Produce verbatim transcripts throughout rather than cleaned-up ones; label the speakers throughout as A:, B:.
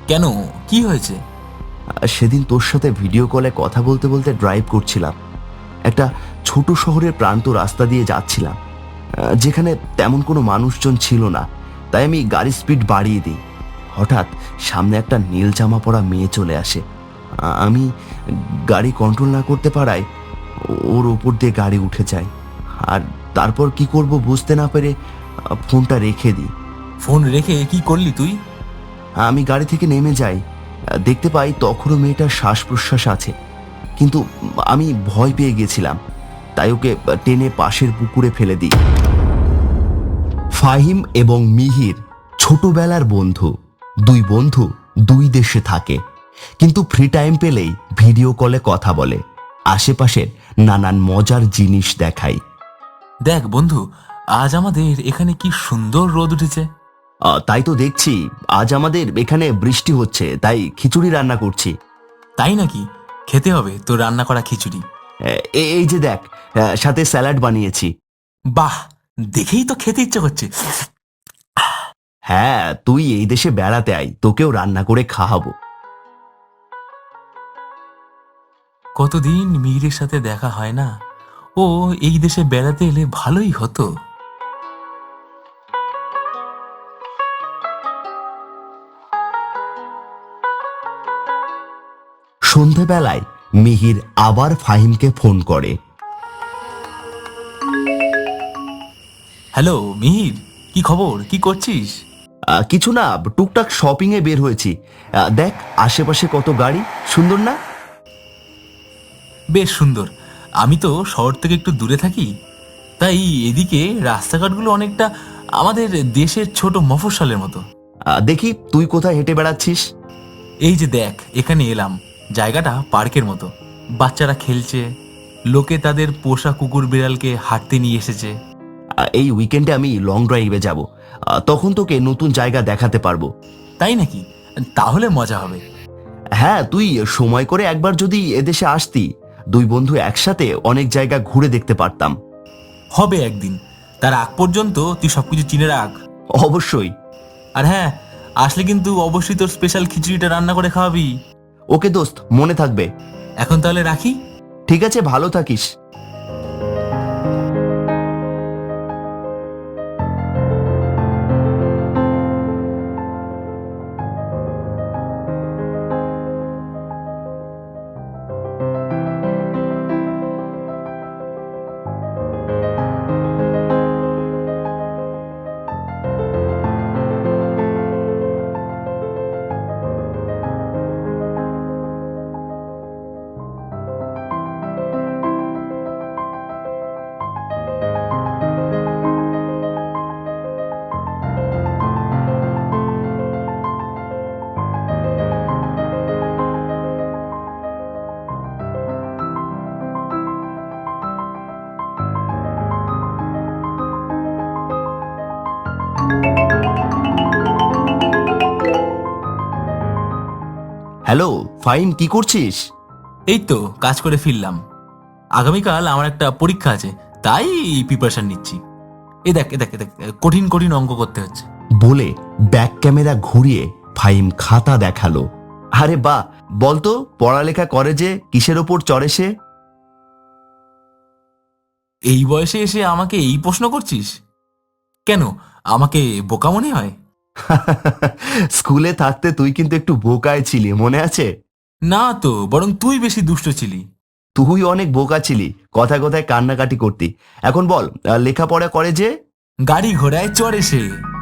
A: কেন, কি হয়েছে?
B: সেদিন তোর সাথে ভিডিও কলে কথা বলতে বলতে ড্রাইভ করছিলাম। একটা ছোট শহরের প্রান্ত রাস্তা দিয়ে যাচ্ছিলাম, যেখানে তেমন কোনো মানুষজন ছিল না। তাই আমি গাড়ির স্পিড বাড়িয়ে দিই। হঠাৎ সামনে একটা নীল জামা পরা মেয়ে চলে আসে। আমি গাড়ি কন্ট্রোল না করতে পারায় ওর ওপর দিয়ে গাড়ি উঠে যায়। আর তারপর কি করব বুঝতে না পেরে ফোনটা রেখে দিই।
A: ফোন রেখে কি করলি তুই?
B: আমি গাড়ি থেকে নেমে যাই। দেখতে পাই তখনও মেয়েটার শ্বাস প্রশ্বাস আছে, কিন্তু আমি ভয় পেয়ে গেছিলাম, তাই ওকে টেনে পাশের পুকুরে ফেলে দিই। ফাহিম এবং মিহির ছোটবেলার বন্ধু। দুই বন্ধু দুই দেশে থাকে, কিন্তু ফ্রি টাইম পেলেই ভিডিও কলে কথা বলে, আশেপাশের নানান মজার জিনিস দেখায়।
A: দেখ বন্ধু, আজ আমাদের এখানে কি সুন্দর রোদ উঠেছে।
B: তাই তো দেখছি, আজ আমাদের এখানে বৃষ্টি হচ্ছে, তাই খিচুড়ি রান্না করছি।
A: তাই নাকি? খেতে হবে তোর রান্না করা খিচুড়ি।
B: এই যে দেখ, সাথে স্যালাড বানিয়েছি।
A: বাহ, দেখেই তো খেতে ইচ্ছে করছে।
B: হ্যাঁ, তুই এই দেশে বেড়াতে আয়, তোকেও রান্না করে খাওয়াবো।
A: কতদিন মিহিরের সাথে দেখা হয় না, ও এই দেশে বেড়াতে এলে ভালোই হতো।
B: সন্ধেবেলায় মিহির আবার ফাহিমকে ফোন করে।
A: হ্যালো মিহির, কি খবর, কি করছিস?
B: কিছু না, টুকটাক শপিং এ বের হয়েছি। দেখ আশেপাশে কত গাড়ি, সুন্দর না?
A: বেশ সুন্দর। আমি তো শহর থেকে একটু দূরে থাকি, তাই এদিকে রাস্তাঘাটগুলো অনেকটা আমাদের দেশের ছোট মফস্বলের মতো।
B: দেখি তুই কোথায় হেঁটে বেড়াচ্ছিস।
A: এই যে দেখ, এখানে এলাম, জায়গাটা পার্কের মতো। বাচ্চারা খেলছে, লোকে তাদের পোষা কুকুর বিড়ালকে হাঁটতে নিয়ে এসেছে।
B: এই উইকেন্ডে আমি লং ড্রাইভে যাব, তখন তোকে নতুন জায়গা দেখাতে পারবো।
A: তাই নাকি? তাহলে মজা হবে।
B: হ্যাঁ, তুই সময় করে একবার যদি এদেশে আসতি, দুই বন্ধু একসাথে অনেক জায়গা ঘুরে দেখতে পারতাম।
A: হবে একদিন, তার আগ পর্যন্ত তুই সবকিছু চিনে রাখ।
B: অবশ্যই।
A: আর হ্যাঁ, আসলে কিন্তু অবশ্যই তোর স্পেশাল খিচুড়িটা রান্না করে খাওয়াবি।
B: ওকে দোস্ত, মনে থাকবে।
A: এখন তাহলে রাখি।
B: ঠিক আছে, ভালো থাকিস। হ্যালো ফাহিম, কি করছিস?
A: এই তো কাজ করে ফিরলাম। আগামীকাল আমার একটা পরীক্ষা আছে, তাই প্রিপারেশন নিচ্ছি। এ দেখ এ দেখ এ দেখ, কঠিন কঠিন অঙ্ক করতে হচ্ছে।
B: বলে ব্যাক ক্যামেরা ঘুরিয়ে ফাহিম খাতা দেখালো। আরে বাহ, বলতো পড়ালেখা করে যে, কিসের ওপর চড়ে সে?
A: এই বয়সে এসে আমাকে এই প্রশ্ন করছিস? কেন, আমাকে বোকা মনে হয়?
B: স্কুলে থাকতে তুই কিন্তু একটু বোকায় ছিলি, মনে আছে?
A: না তো, বরং তুই বেশি দুষ্ট ছিলি।
B: তুই অনেক বোকা ছিলি, কথায় কথায় কান্নাকাটি করতি। এখন বল, লেখাপড়া করে যে?
A: গাড়ি ঘোড়ায় চড়ে সে।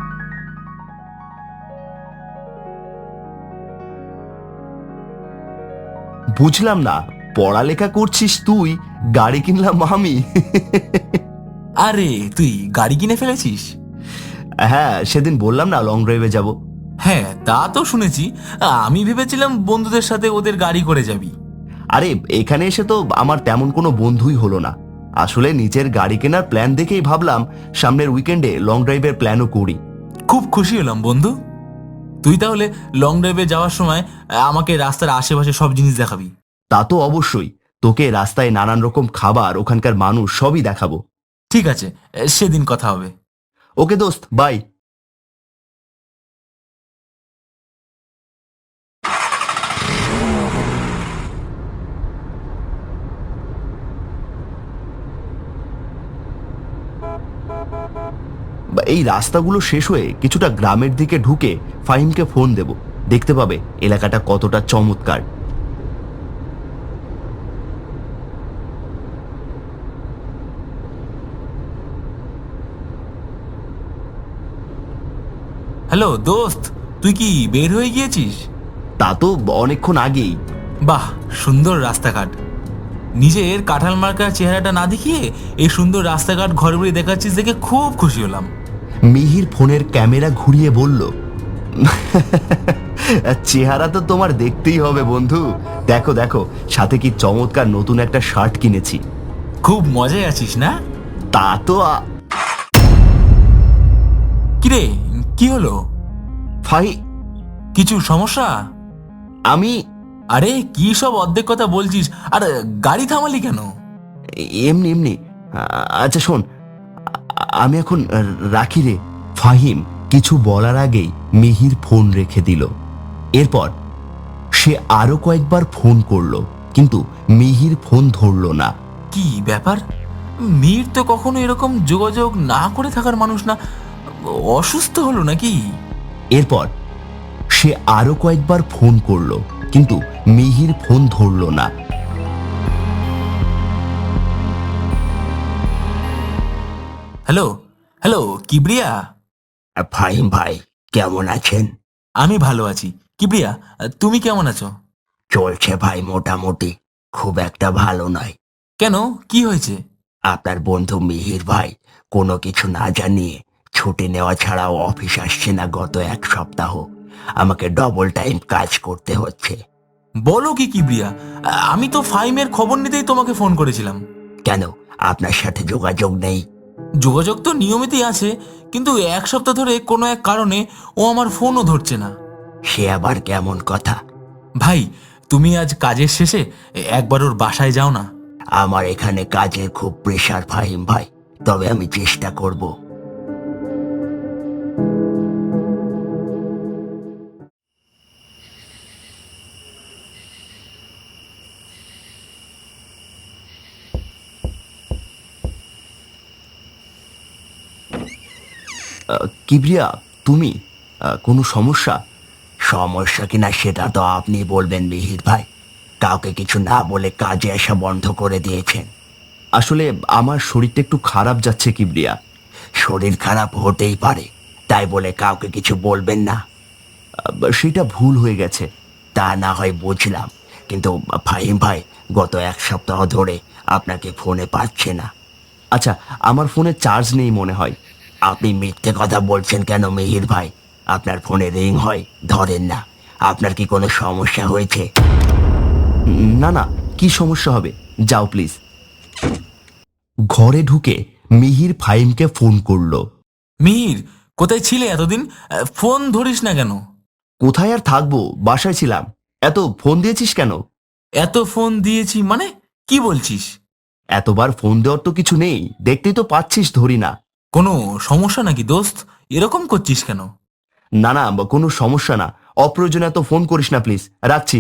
B: বুঝলাম না, পড়ালেখা করছিস তুই, গাড়ি কিনলাম আমি।
A: আরে তুই গাড়ি কিনে ফেলেছিস?
B: হ্যাঁ, সেদিন বললাম না লং ড্রাইভে যাব।
A: হ্যাঁ, তা তো শুনেছি। আমি ভেবেছিলাম বন্ধুদের সাথে ওদের গাড়ি করে যাবি।
B: আরে এখানে এসে তো আমার তেমন কোনো বন্ধুই হলো না। আসলে নিজের গাড়ি কেনার প্ল্যান দেখেই ভাবলাম সামনের উইকেন্ডে লং ড্রাইভের প্ল্যানও করি।
A: খুব খুশি হলাম বন্ধু। তুই তাহলে লং ড্রাইভে যাওয়ার সময় আমাকে রাস্তার আশেপাশে সব জিনিস দেখাবি।
B: তা তো অবশ্যই, তোকে রাস্তায় নানান রকম খাবার, ওখানকার মানুষ সবই দেখাবো।
A: ঠিক আছে, সেদিন কথা হবে।
B: ওকে দোস্ত, বাই। এই রাস্তাগুলো শেষ হয়ে কিছুটা গ্রামের দিকে ঢুকে ফাহিমকে ফোন দেব, দেখতে পাবে এলাকাটা কতটা চমৎকার।
A: হ্যালো দোস্ত, তুই কি বের হয়ে গিয়েছিস?
B: তা তো অনেকক্ষণ আগেই।
A: বাহ, সুন্দর রাস্তাঘাট। নিজের কাঁঠাল মার্কা চেহারাটা না দেখিয়ে এই সুন্দর রাস্তাঘাট ঘর বাড়ি দেখাচ্ছিস দেখে খুব খুশি হলাম।
B: মিহির ফোনের ক্যামেরা ঘুরিয়ে বলল, চেহারা তো তোমার দেখতেই হবে বন্ধু, দেখো দেখো সাথে কি চমৎকার নতুন একটা শার্ট কিনেছি।
A: খুব মজায় আছিস না?
B: তা তো আ-
A: কিরে, কি হলো?
B: ফাই
A: কিছু সমস্যা?
B: আমি
A: আরে কি সব অর্ধেক কথা বলছিস, আর গাড়ি থামালি কেন?
B: এমনি এমনি আ- আচ্ছা শোন, আ- আমি এখন রাখি রে। ফাহিম কিছু বলার আগেই মিহির ফোন রেখে দিল। এরপর সে আরো কয়েকবার ফোন করলো, কিন্তু মিহির ফোন ধরলো না।
A: কি ব্যাপার? মীর তো কখনো এরকম যোগাযোগ না করে থাকার মানুষ না, অসুস্থ হলো নাকি?
B: এরপর সে আরো কয়েকবার ফোন করলো, কিন্তু মিহির ফোন ধরলো না।
A: Hello hello Kibria.
B: ফাহিম ভাই কেমন আছেন?
A: আমি ভালো আছি। কিবরিয়া, তুমি কেমন আছো?
B: চলছে ভাই মোটামুটি, খুব একটা ভালো নয়।
A: কেন, কি হয়েছে?
B: আপনার বন্ধু মিহির ভাই কোনো কিছু না জানিয়ে ছুটি নেওয়া ছাড়াও অফিস আসছে না গত এক সপ্তাহ। আমাকে ডবল টাইম কাজ করতে হচ্ছে।
A: বলো কি কিবরিয়া, আমি তো ফাইমের খবর নিতেই তোমাকে ফোন করেছিলাম।
B: কেন, আপনার সাথে যোগাযোগ নেই?
A: যোগাযোগ তো নিয়মিতই আছে, কিন্তু এক সপ্তাহ ধরে কোনো এক কারণে ও আমার ফোনও ধরছে না।
B: সে আবার কেমন কথা?
A: ভাই, তুমি আজ কাজের শেষে একবার ওর বাসায় যাও না।
B: আমার এখানে কাজের খুব প্রেশার ফাহিম ভাই, তবে আমি চেষ্টা করব। কিবরিয়া, তুমি কোনো সমস্যা? সমস্যা কিনা সেটা তো আপনি বলবেন মিহির ভাই। কাউকে কিছু না বলে কাজে আসা বন্ধ করে দিয়েছেন। আসলে আমার শরীরটা একটু খারাপ যাচ্ছে কিবরিয়া। শরীর খারাপ হতেই পারে, তাই বলে কাউকে কিছু বলবেন না। সেটা ভুল হয়ে গেছে। তা না হয় বুঝলাম, কিন্তু ফাহিম ভাই গত এক সপ্তাহ ধরে আপনাকে ফোনে পাচ্ছে না। আচ্ছা, আমার ফোনে চার্জ নেই মনে হয়। আপনি মিথ্যে কথা বলছেন কেন মিহির ভাই? আপনার ফোনে রিং হয়, ধরেন না। আপনার কি কোনো সমস্যা হয়েছে? না না, কি সমস্যা হবে? যাও প্লিজ। ঘরে ঢুকে মিহির ফাহিমকে ফোন করলো।
A: মিহির, কোথায় ছিলে এতদিন? ফোন ধরিস না কেন?
B: কোথায় আর থাকবো, বাসায় ছিলাম। এত ফোন দিয়েছিস কেন?
A: এত ফোন দিয়েছি মানে কি বলছিস?
B: এতবার ফোন দেওয়ার তো কিছু নেই, দেখতেই তো পাচ্ছিস ধরি না।
A: কোনো সমস্যা নাকি দোস্ত? এরকম করছিস কেন?
B: না না, কোনো সমস্যা না। অপ্রয়োজনে এত ফোন করিস না প্লিজ, রাখছি।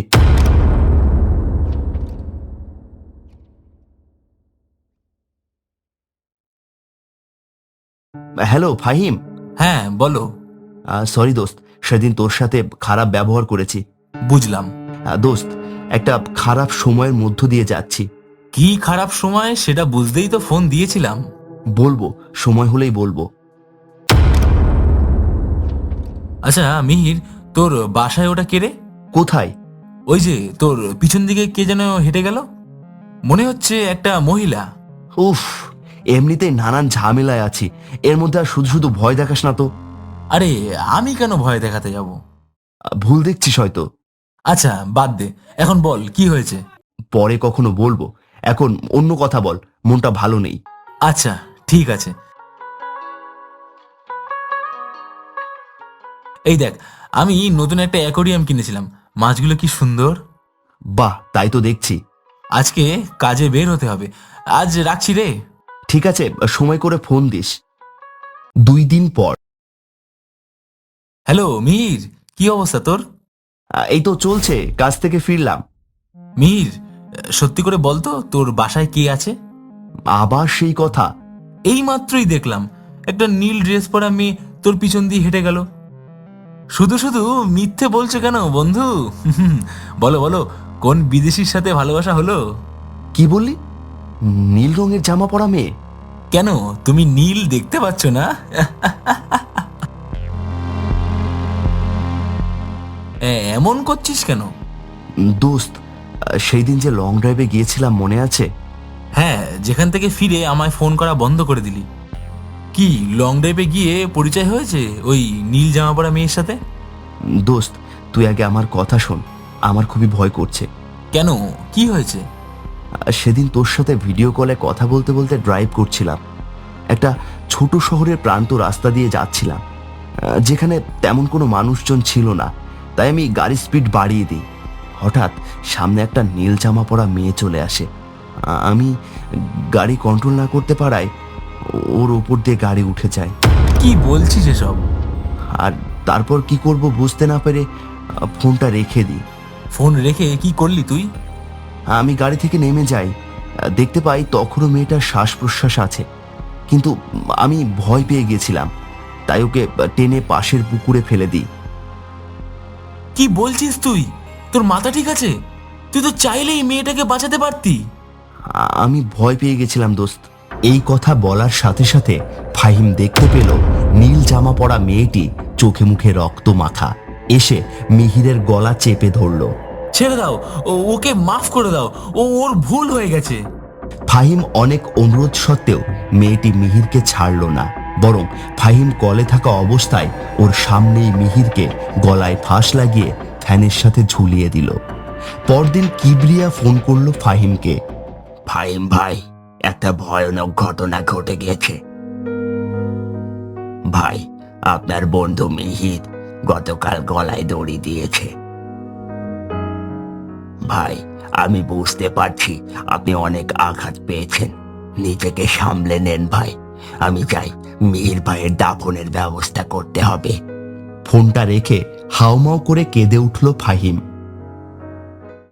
B: হ্যালো ফাহিম।
A: হ্যাঁ বলো।
B: সরি দোস্ত, সেদিন তোর সাথে খারাপ ব্যবহার করেছি।
A: বুঝলাম।
B: আহ, দোস্ত, একটা খারাপ সময়ের মধ্য দিয়ে যাচ্ছি।
A: কি খারাপ সময় সেটা বুঝতেই তো ফোন দিয়েছিলাম।
B: বলবো, সময় হলেই বলবো।
A: আচ্ছা মিহির, তোর বাসায় ওটা কে রে?
B: কোথায়?
A: ওই যে তোর পিছন দিকে কে যেন হেঁটে গেল, মনে হচ্ছে একটা মহিলা।
B: উফ, এমনিতেই নানান ঝামেলায় আছি, এর মধ্যে আর শুধু শুধু ভয় দেখাস না তো।
A: আরে আমি কেন ভয় দেখাতে যাব?
B: আহ, ভুল দেখছিস হয়তো।
A: আচ্ছা বাদ দে, এখন বল কি হয়েছে।
B: পরে কখনো বলবো, এখন অন্য কথা বল, মনটা ভালো নেই।
A: আচ্ছা ঠিক আছে। এই দেখ, আমি নতুন একটা অ্যাকোরিয়াম কিনেছিলাম, মাছগুলো কি সুন্দর।
B: বাহ, তাই তো দেখছি।
A: আজকে কাজে বের হতে হবে, আজ রাখছি রে।
B: ঠিক আছে, সময় করে ফোন দিস। দুই দিন পর।
A: হ্যালো মিহির, কি অবস্থা তোর?
B: আহ, এই তো চলছে, কাজ থেকে ফিরলাম।
A: মিহির, সত্যি করে বলতো তোর বাসায় কে আছে?
B: আবার সেই কথা?
A: এই মাত্রই দেখলাম, একটা নীল ড্রেস পরা মেয়ে তোর পিছন দিয়ে হেঁটে গেল। শুধু শুধু মিথ্যে বলছো কেন বন্ধু? বলো বলো, কোন বিদেশির সাথে ভালোবাসা হলো?
B: কি বললি? নীল রঙের জামা পরা মেয়ে?
A: কেন, তুমি নীল দেখতে পাচ্ছ না? এ- এমন করছিস কেন?
B: দোস্ত, সেই দিন যে লং ড্রাইভে গিয়েছিলাম মনে আছে?
A: হ্যাঁ, যেখান থেকে ফিরে আমায় ফোন করা বন্ধ করে দিলি। কি লং ড্রাইভে গিয়ে পরিচয় হয়েছে ওই নীল জামা পরা মেয়ের সাথে?
B: দোস্ত, তুই আগে আমার কথা শোন, আমার খুবই ভয় করছে।
A: কেন, কি হয়েছে?
B: সেদিন তোর সাথে ভিডিও কলে কথা বলতে বলতে ড্রাইভ করছিলাম। একটা ছোট শহরের প্রান্ত রাস্তা দিয়ে যাচ্ছিলাম, আহ, যেখানে তেমন কোনো মানুষজন ছিল না, তাই আমি গাড়ির স্পিড বাড়িয়ে দিই। হঠাৎ সামনে একটা নীল জামা পরা মেয়ে চলে আসে। আ- আমি গাড়ি কন্ট্রোল না করতে পারায় ওর ওপর দিয়ে গাড়ি উঠে যায়।
A: কি বলছিস এসব?
B: আর তারপর কি করব বুঝতে না পেরে আহ, ফোনটা রেখে দিই।
A: ফোন রেখে কি করলি তুই?
B: আমি গাড়ি থেকে নেমে যাই, দেখতে পাই তখনও মেয়েটার শ্বাস প্রশ্বাস আছে, কিন্তু আমি ভয় পেয়ে গেছিলাম, তাই ওকে টেনে পাশের পুকুরে ফেলে দিই।
A: কি বলছিস তুই? তোর মাথা ঠিক আছে? তুই তো চাইলেই মেয়েটাকে বাঁচাতে পারতি।
B: আ- আমি ভয় পেয়ে গেছিলাম দোস্ত। এই কথা বলার সাথে সাথে ফাহিম দেখতে পেল নীল জামা পরা মেয়েটি চোখে মুখে রক্ত মাখা এসে মিহিরের গলা চেপে ধরলো।
A: ছেড়ে দাও, ও- ওকে মাফ করে দাও, ও ওর ভুল হয়ে গেছে।
B: ফাহিম অনেক অনুরোধ সত্ত্বেও মেয়েটি মিহিরকে ছাড়ল না, বরং ফাহিম কলে থাকা অবস্থায় ওর সামনেই মিহিরকে গলায় ফাঁস লাগিয়ে ফ্যানের সাথে ঝুলিয়ে দিল। পরদিন কিবরিয়া ফোন করলো ফাহিমকে। ফাহিম ভাই, একটা ভয়ানক ঘটনা ঘটে গেছে। ভাই, আপনার বন্ধু মিহির গতকাল গলায় দড়ি দিয়েছে। ভাই, আমি বুঝতে পারছি আপনি অনেক আঘাত পেয়েছেন, নিজেকে সামলে নেন ভাই। আমি চাই মিহির ভাইয়ের দাফনের ব্যবস্থা করতে হবে। ফোনটা রেখে হাউমাউ করে কেঁদে উঠল ফাহিম।